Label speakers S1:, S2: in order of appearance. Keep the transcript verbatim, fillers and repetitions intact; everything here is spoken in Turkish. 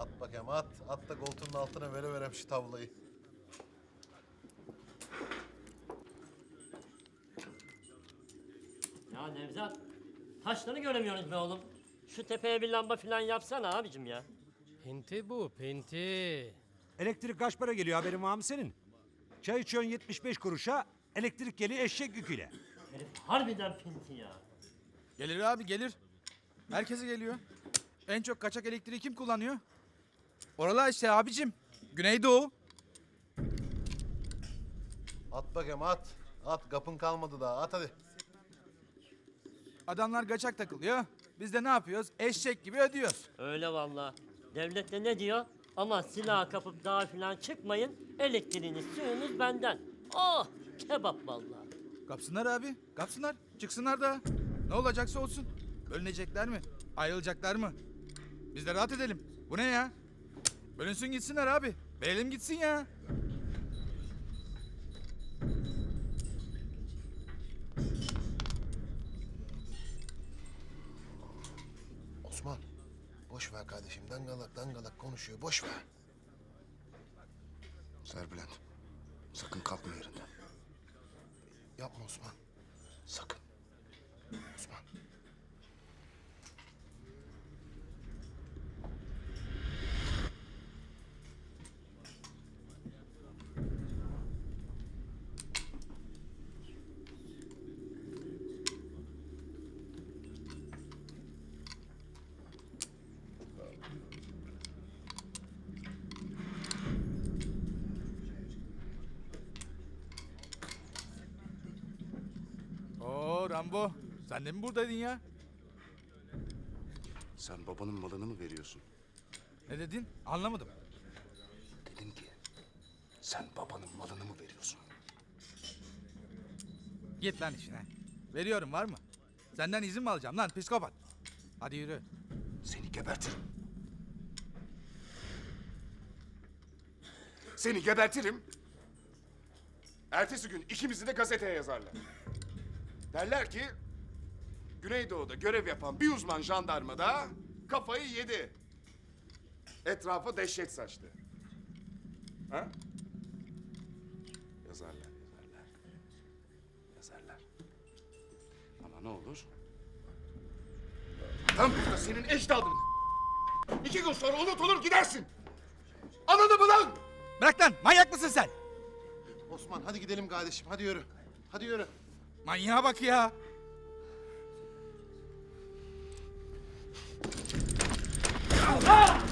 S1: At bakayım at. At da koltuğunun altına vere verem şu tavlayı.
S2: Ya Nevzat, taşları göremiyoruz be oğlum. Şu tepeye bir lamba falan yapsana abicim ya.
S3: Pinti bu, pinti.
S4: Elektrik kaç para geliyor haberin var mı senin? Çay içiyorsun yetmiş beş kuruşa, elektrik geliyor eşek yüküyle.
S2: Herif harbiden pinti ya.
S5: Gelir abi gelir. Herkese geliyor. En çok kaçak elektriği kim kullanıyor? Oralar işte abicim. Güneydoğu.
S1: At bakayım at. At kapın kalmadı daha at hadi.
S5: Adamlar kaçak takılıyor. Biz de ne yapıyoruz? Eşek gibi ödüyoruz.
S2: Öyle vallahi. Devlet de ne diyor? Ama silah kapıp dağa falan çıkmayın. Elektriğiniz, suyunuz benden. Oh, kebap vallahi.
S5: Kapsınlar abi. Kapsınlar. Çıksınlar da. Ne olacaksa olsun. Bölünecekler mi? Ayrılacaklar mı? Biz de rahat edelim. Bu ne ya? Bölünsün gitsinler abi. Verelim gitsin ya.
S1: Osman. Boş ver kardeşim. Dangalak dangalak konuşuyor. Boş ver.
S6: Serbülent, sakın kalkma yerinden.
S1: Yapma Osman.
S6: Sakın.
S1: Osman.
S5: Oo Rambo. Sen de mi buradaydın ya?
S6: Sen babanın malını mı veriyorsun?
S5: Ne dedin? Anlamadım.
S6: Dedim ki, sen babanın malını mı veriyorsun?
S5: Git lan işine. Veriyorum var mı? Senden izin mi alacağım lan psikopat? Hadi yürü.
S6: Seni gebertirim. Seni gebertirim. Ertesi gün ikimizi de gazeteye yazarlar. Derler ki, Güneydoğu'da görev yapan bir uzman jandarma da kafayı yedi. Etrafa dehşet saçtı. Ha? Yazarlar, yazarlar. Yazarlar. Ama ne olur? Tam burada senin ecdadın. İki gün sonra unutulur gidersin. Anladın mı lan?
S5: Bırak lan manyak mısın sen?
S1: Osman hadi gidelim kardeşim. Hadi yürü. Hadi yürü.
S5: Manyağa bak ya.
S2: Ah!